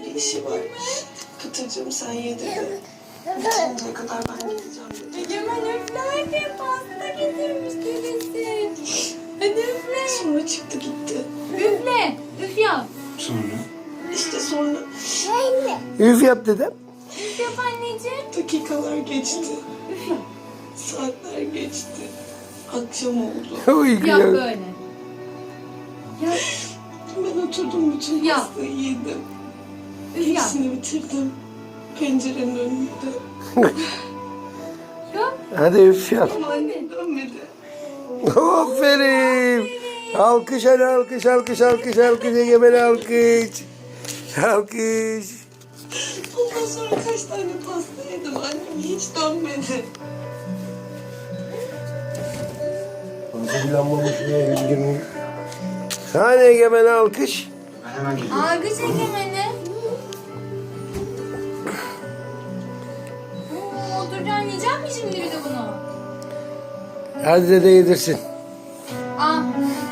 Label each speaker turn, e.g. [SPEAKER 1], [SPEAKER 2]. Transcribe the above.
[SPEAKER 1] bir işi var. Pıtırcığım sen ye dedi. Bitinceye kadar ben gideceğim dedi.
[SPEAKER 2] Egemen üfle hadi, pasta getirmiş dedesi. Hadi üfle.
[SPEAKER 1] Sonra çıktı gitti.
[SPEAKER 2] Üfle. Üf yap.
[SPEAKER 3] Sonra?
[SPEAKER 1] İşte sonra
[SPEAKER 4] Üf yap dedem.
[SPEAKER 2] Üf yap anneciğim.
[SPEAKER 1] dakikalar geçti.
[SPEAKER 2] Üf yap.
[SPEAKER 1] Saatler geçti. Akşam oldu.
[SPEAKER 4] Oy
[SPEAKER 2] Yap
[SPEAKER 4] güzel.
[SPEAKER 2] böyle. Yap.
[SPEAKER 1] Ben oturdum bütün
[SPEAKER 2] Ya.
[SPEAKER 1] pastayı yedim.
[SPEAKER 2] Üf yap.
[SPEAKER 1] Hepsini bitirdim. Pencerenin önünde.
[SPEAKER 2] Yap.
[SPEAKER 4] Hadi üf yap.
[SPEAKER 1] Ama annem dönmedi.
[SPEAKER 4] Aferin. Alkış hadi alkış alkış alkış alkış Egemen alkış. Alkış.
[SPEAKER 1] Ondan sonra kaç tane pasta yedim. Annem hiç dönmedi.
[SPEAKER 4] Hazırlanmamış diye üzgünüm. Hani Egemen alkış.
[SPEAKER 3] Ben hemen geliyorum.
[SPEAKER 2] Algıç Egemen'i. Oturacaksın, yiyecek misin şimdi bir de bunu?
[SPEAKER 4] Hadi dede yedirsin.
[SPEAKER 2] Al.